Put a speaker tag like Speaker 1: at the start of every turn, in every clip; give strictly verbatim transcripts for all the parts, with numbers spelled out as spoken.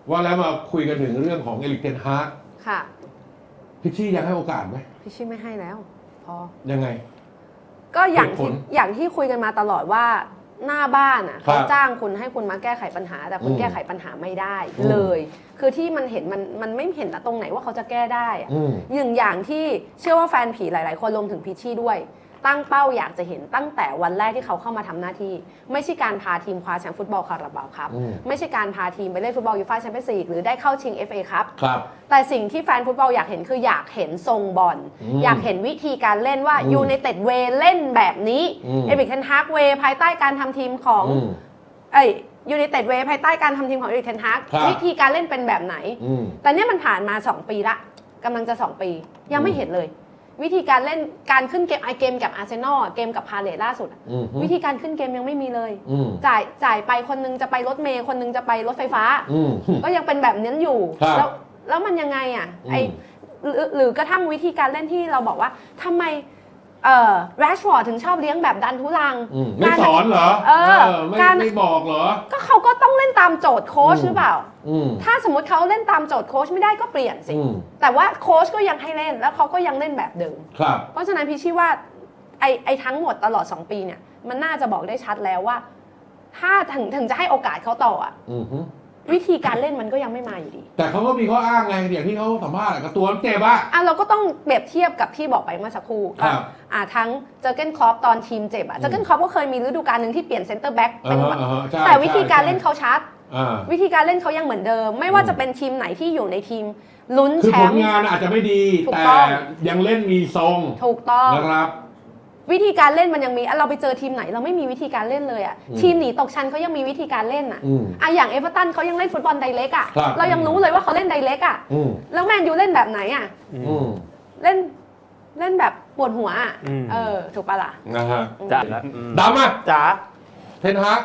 Speaker 1: ว่าแล้วมาคุยกันถึงเรื่องของเอริกเทนฮาก
Speaker 2: ค่ะ
Speaker 1: พิชชี่ยังให้โอกาสไหม
Speaker 2: พิชชี่ไม่ให้แล้วพอ
Speaker 1: ยังไง
Speaker 2: ก็อย่างที่อย่างที่คุยกันมาตลอดว่าหน้าบ้านอ่ะเขาจ้างคุณให้คุณมาแก้ไขปัญหาแต่คุณแก้ไขปัญหาไม่ได้เลยคือที่มันเห็นมันมันไม่เห็นตรงไหนว่าเขาจะแก้ได้อย่างอย่างที่เชื่อว่าแฟนผีหลายๆคนรวมถึงพิชชี่ด้วยตั้งเป้าอยากจะเห็นตั้งแต่วันแรกที่เขาเข้ามาทำหน้าที่ไม่ใช่การพาทีมคว้าแชมป์ฟุตบอลคาราบาวครับไม่ใช่การพาทีมไปเล่นฟุตบอลยูฟ่าแชมเปี้ยนส์ลีกหรือได้เข้าชิง เอฟ เอ ครับแต่สิ่งที่แฟนฟุตบอลอยากเห็นคืออยากเห็นทรงบอลอยากเห็นวิธีการเล่นว่ายูไนเต็ดเวย์เล่นแบบนี้เอริกเทนฮากเวย์ภายใต้การทำทีมของเอ้ยยูไนเต็ดเวย์ภายใต้การทำทีมของเอริกเทนฮากวิธีการเล่นเป็นแบบไหนแต่เนี่ยมันผ่านมาสองปีละกำลังจะสองปียังไม่เห็นเลยวิธีการเล่นการขึ้นเกมไอเกมกับอาร์เซนอลเกมกับพาเลทล่าสุดวิธีการขึ้นเกมยังไม่มีเลยจ่ายจ่ายไปคนนึงจะไปรถเมย์คนนึงจะไปรถไฟฟ้าก็ยังเป็นแบบนั้นอยู่แล้วแล้วมันยังไงอ่ะไอหรือกระทั่งวิธีการเล่นที่เราบอกว่าทำไมเอ่อแรชฟอร์ดถึงชอบเลี้ยงแบบดันทุรัง
Speaker 1: ไม่สอนเหรอเออการไม่บอกเหรอ
Speaker 2: ก็เขาก็ต้องเล่นตามโจทย์โค้ชหรือเปล่าถ้าสมมติเขาเล่นตามโจทย์โค้ชไม่ได้ก็เปลี่ยนสิแต่ว่าโค้ชก็ยังให้เล่นแล้วเขาก็ยังเล่นแบบเดิมเพราะฉะนั้นพี่ชี้ว่าไอ้ไอ้ทั้งหมดตลอดสองปีเนี่ยมันน่าจะบอกได้ชัดแล้วว่าถ้าถึงถึงจะให้โอกาสเขาต่ออ่ะวิธีการเล่นมันก็ยังไม่มาอยู่ดี
Speaker 1: แต่เขาก็มีข้ออ้างไงอย่างที่เขาสัมภาษณ์กับตัวเจ็บอะ
Speaker 2: อ่ะเราก็ต้องเปรียบเทียบกับที่บอกไปเมื่อสักครู่อ่ะทั้งเจอร์เก้นคล็อปตอนทีมเจ็บอะเจอร์เก้นคล็อปก็เคยมีฤดูกาลหนึ่งที่เปลี่ยนเซนเตอร์แบ็กเป็นแต่วิธีการเล่นเขาชัดวิธีการเล่นเขายังเหมือนเดิมไม่ว่าจะเป็นทีมไหนที่อยู่ในทีมลุ้นแชมป์
Speaker 1: คือผลงานอาจจะไม่ดีแต่ยังเล่นมีทรง
Speaker 2: ถูกต้อง
Speaker 1: นะครับ
Speaker 2: วิธีการเล่นมันยังมีเราไปเจอทีมไหนเราไม่มีวิธีการเล่นเลยอ่ะทีมหนีตกชั้นเขายังมีวิธีการเล่นอ่ะอ่ะอย่างเอเวอร์ตันเขายังเล่นฟุตบอลไดเรกอ่ะเรายังรู้เลยว่าเขาเล่นไดเรกอ่ะแล้วแมนยูเล่นแบบไหนอ่ะเล่นเล่นแบบปวดหัวอ่ะเออถูกปะล่ะ
Speaker 1: นะฮะ
Speaker 3: จ๋า
Speaker 1: ดำอ่ะ
Speaker 3: จ๋า
Speaker 1: เทนฮาก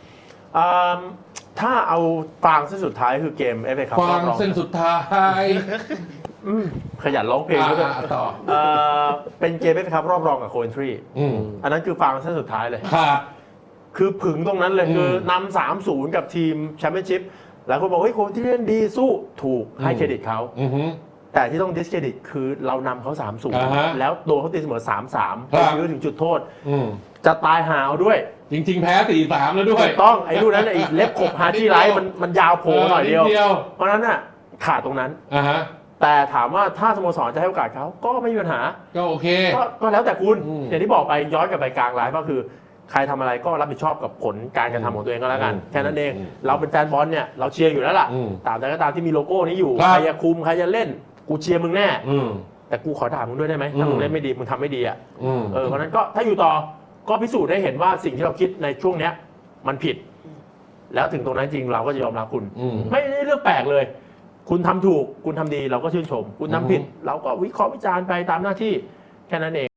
Speaker 3: ถ้าเอาฟางเส้นสุดท้ายคือเกมเอฟเอคัพ
Speaker 1: ฟางเส้นสุดท้าย
Speaker 3: ขยันร้องเพลงด้วย
Speaker 1: ต่อ
Speaker 3: เป็นเกมเอฟเอคัพรอบรองกับโคเวนทรีอันนั้นคือฟางเส้นสุดท้ายเลยคือผึ่งตรงนั้นเลยคือนำสามศูนย์กับทีมแชมเปี้ยนชิพหลายคนบอกเฮ้ยโคเวนทรีเล่นดีสู้ถูกให้เครดิตเขาแต่ที่ต้องดิสเครดิตคือเรานำเขาสามศูนย์แล้วโดนเขาตีเสมอสามสามไปยื้อถึงจุดโทษจะตายหาวด้วย
Speaker 1: จริงๆแพ้สี่สามแล้วด้วย
Speaker 3: ต้องไอ้ลูกนั้นไอ้เล็บขบฮาร์จี้ไลท์มันมันยาวโผล่หน่อยเดียวเพราะนั้นน่ะขาดตรงนั้นแต่ถามว่าถ้าสโมสรจะให้โอกาสเขาก็ไม่มีปัญหา
Speaker 1: ก็โอเค
Speaker 3: ก็แล้วแต่คุณอย่างที่บอกไปย้อนกลับไปกลางไลฟ์ก็คือใครทำอะไรก็รับผิดชอบกับผลการกระทำของตัวเองก็แล้วกันแค่นั้นเองเราเป็นแฟนบอลเนี่ยเราเชียร์อยู่แล้วล่ะตามแต่ก็ตามที่มีโลโก้นี้อยู่ใครจะคุมใครจะเล่นกูเชียร์มึงแน่แต่กูขอถามมึงด้วยได้ไหมถ้ามึงเล่นไม่ดีมึงทำไม่ดีอ่ะเออเพราะนั้นก็ถ้าอยู่ต่อก็พิสูจน์ได้เห็นว่าสิ่งที่เราคิดในช่วงเนี้ยมันผิดแล้วถึงตรงนั้นจริงเราก็จะยอมรับคุณไม่ได้เรื่องแปลกเลยคุณทำถูกคุณทำดีเราก็ชื่นชมคุณทำผิดเราก็วิเคราะห์วิจารณ์ไปตามหน้าที่แค่นั้นเอง